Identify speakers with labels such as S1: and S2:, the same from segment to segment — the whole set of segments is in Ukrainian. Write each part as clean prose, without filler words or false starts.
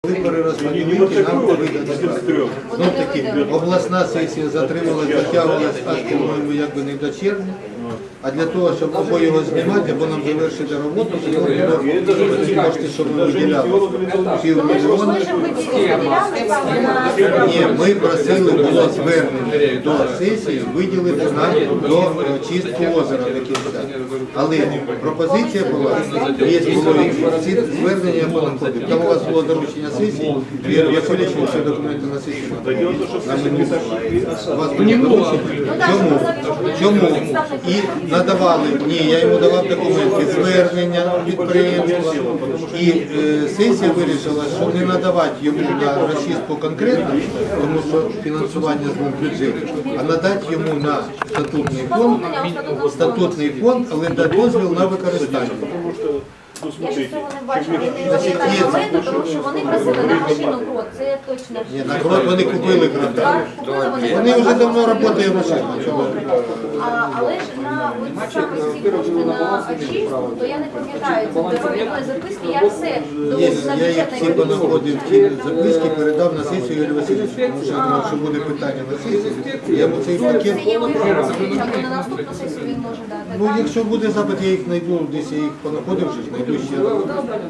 S1: Вибори розподілити, нам повинні. Ну таки, обласна сесія затрималась, затягувалась аж, по-моєму, якби не до червня. А для того, щоб або його знімати, або нам завершити роботу, то було ці кошти, щоб ми виділяли півмільйона. Ні, ми просили, було звернення до сесії виділити нам до чистки озера до кінця. Але пропозиція була, є було ці звернення по находу. Там у вас було доручення сесії, Віктор Васильович, всі документи на сесії. У вас було доручення. Чому? І надавали, ні, я йому давав документи, звернення підприємства. І сесія вирішила, що не надавати йому на розчистку конкретно, тому що фінансування з бюджету, а надати йому на статутний фонд, але дати дозвіл на використання.
S2: Я ж цього не бачила, вони читають документи, тому що вони просили на машину крот, це я точно.
S1: Ні, на крот вони купили крота. Вони вже давно працюють машина.
S2: Але ж на саме ці кошти на очистку, то я не пам'ятаю, це довідної записки, я все
S1: Я їх всі понаходив, ці записки передав на сесію Юрію Васильовичу, тому що я думав, що буде питання на сесію. Я йому цей пакет...
S2: Це є можливість, або на наступну сесію він може дати.
S1: Ну, якщо буде запит, я їх знайду, десь я їх понаходив, що знайду ще раз.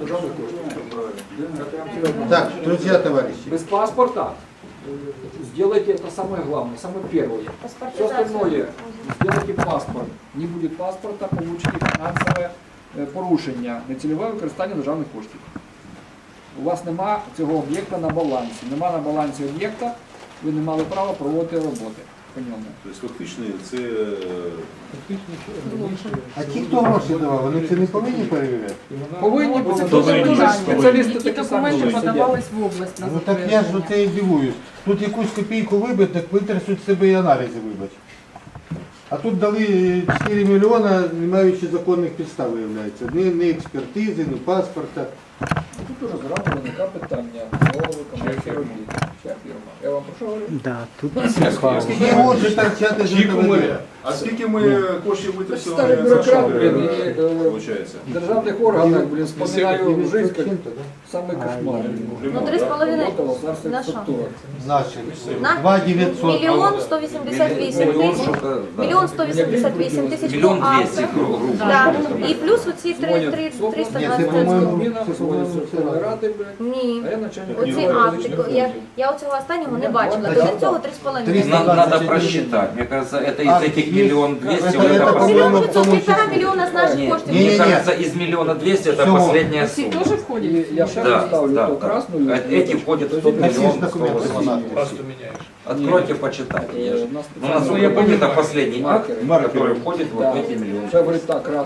S1: Так, друзья, товарищи.
S3: Без паспорта сделайте это самое главное, самое первое. Все остальное, сделайте паспорт. Не будет паспорта, получите фінансове порушення, нецільове використання державних коштів. У вас нема цього об'єкта на балансі. Нема на балансі об'єкта, ви не мали права проводити роботи по ньому.
S4: Тобто фактично це...
S1: А ті, хто гроші давав, вони це не повинні перевіряти?
S3: Повинні бути спеціалісти такі самі
S5: Документи
S3: сидять.
S5: подавались в область на
S1: Ну так я ж оце і дивуюсь. Тут якусь копійку вибити, так витрясуть себе і аналізи вибач. А тут дали 4 мільйона, не маючи законних підстав, виявляється. Ні експертизи, ні паспорта.
S3: Тут уже зразу виникає питання голови комерції робіт. Чия фірма? Я вам про що говорю?
S6: Да, тут
S1: Всі можуть торчати з КВД.
S4: А скільки ми коштів витратили
S3: Старий
S4: за
S3: бюрократ,
S4: що,
S3: блін,
S4: виходить?
S3: і державних органах, блін, вспоминаю жизнь, як самий кошмар.
S2: Ну, 3,5 на що?
S1: Наші.
S2: На
S1: 2900.
S2: мільйон 188 тисяч, мільйон 188 тисяч по автор. Да. І плюс оці 320
S3: Міна, дзвонять Верховної Ради, блін.
S2: Ні.
S3: А я начальник
S2: Оці
S3: відділу
S2: акти,
S3: економічного
S2: я оцього останнього не бачила. До цього 3,5.
S1: 300.
S7: Надо просчитать. Мне кажется, это из этих миллион двести, вот
S1: это
S7: это
S1: по-моему,
S2: Мільйон
S7: последнее.
S2: 500, 1,5 мільйона з наших
S7: Нет,
S2: коштів.
S7: мне кажется, из миллиона двести это
S1: Всего.
S7: последняя
S5: Всі
S7: сумма.
S5: теж входять?
S3: І я ще
S7: Да,
S3: ставлю
S7: да,
S3: ту
S7: да.
S3: красну.
S7: Эти входят в тот
S1: Всі ж
S7: миллион
S1: документи
S7: 180.
S1: знати.
S7: Откройте, почитайте. Ну, насколько я помню, это последний акт, который входит в вот эти миллионы.
S3: Це говорить так, раз.